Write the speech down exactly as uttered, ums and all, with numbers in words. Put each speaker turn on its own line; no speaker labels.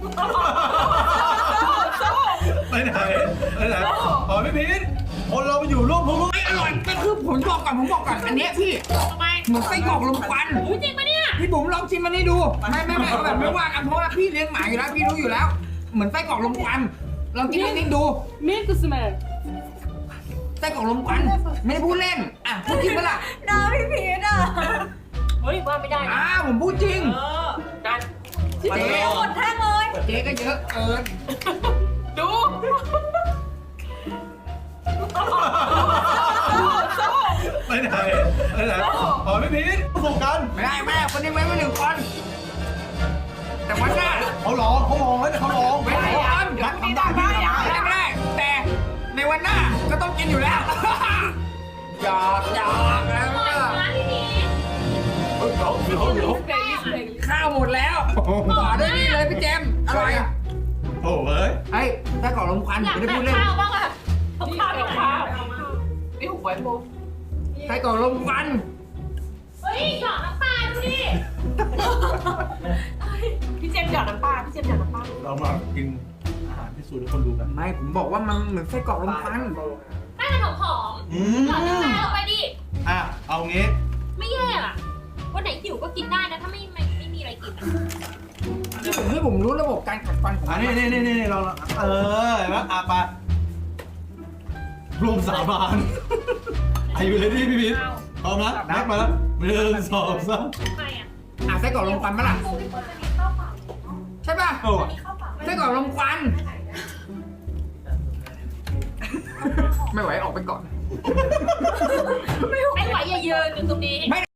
ไปไหนไปไหนขอพี่พีทคนเราไปอยู่ร่วมทุกข์
ไม่อร่อยก็คือผมบอกก่อนผมบอกก่อนอันเนี้ยพี่
ทำไม
เหมือนไส้กรอกลมควัน
อุ๊ยจริงปะเนี่ย
พี่บุ๋มลองชิมมันให้ดูไม่ไม่ไม่เอาแบบไม่ว่ากันเพราะว่าพี่เลี้ยงหมาอยู่แล้วพี่รู้อยู่แล้ว เหมือนไส้กรอกลมควันลองกินนิ่งๆดู
Milk smell
ไส้กรอกลมควันไม่ได้พูดเล่นอ่ะพูดจริงปะล่ะ
น้าพี่พีทอ่ะ
เฮ้ยว่าไม่ได้นะ
อ้าวผมพูดจริง
เออนั่น
เจ๊
หมดแท่งเลย
เจ๊ก็เยอะเกิน
ดู
ไปไหนไปไหนขอพี่พีทประสบการณ์
ไม่ได้แม่คนนี้ไว้ไม่หนึ่งคนแต่วันหน้า
เขาร้องเขาร้องแล้วเขาร้อง
ไม่ได้ทำ
รักทำได้พี่ทำได้
ไม่ได้ไม่ได้แต่ในวันหน้าก็ต้องกินอยู่แล้วหยอกหยอกแล้ว
ปล่อยมาที่นี่
เดี๋ยวเดี๋ยวเดี๋ยว
ข้าวหมดแล้วต่อด้วยนี่เลยพี่เจมส์อร่อยอ่ะ
โอ้เฮ้ย
ไอ้ไส้กรอกลมควัน
อยาก
ไม่ได้
แบ่
พู
ง
ดเล่น
ข้าวบ้างอะเอาข้าวไปข้าวนี่หวยโบ
ไส้กรอกลมควัน
เฮ้ยหยอดน้ำปลาดูดิพี่เจมส์หยอดน้ำปลาพี่เจมส์หยอดน้ำปลา
เรามากินอาหารที่สูตรให้คนดูกัน
ไม่ผมบอกว่ามันเหมือนไส้กรอกลมควัน
ให้มันหอม
อื
ๆหยอดน้ำปลาลงไปดิ
อ่ะเอางี้
ไม่แย่อะวันไหนหิวก็กินได้นะถ้าไม่ไม่ไม่มีอะไรกินอะ
ที่ผมให้ผมรู้ระบบการขัดฟันของ
อั
มัน น
นี้นี่นี่นี่เราเออเห็นไหมอ่ะไปรวมสาบานอายุเลยดิพี่พีทพร้อมนะนับมาแล้วหนึ่งสองสาม
ใครอะ
อ่ะไส้กรอกลมควันปะล่ะ
โอ้พี่เฟิร์สจะมีข้าวเปล่า
ใช่ป่ะ
โอ้
มีข้าวเปล่าไหม
ไส้กรอกลมควันไม่ไหวออกไปก่อน
ไม่ไหวอย่ายืนอยู่ตรงนี้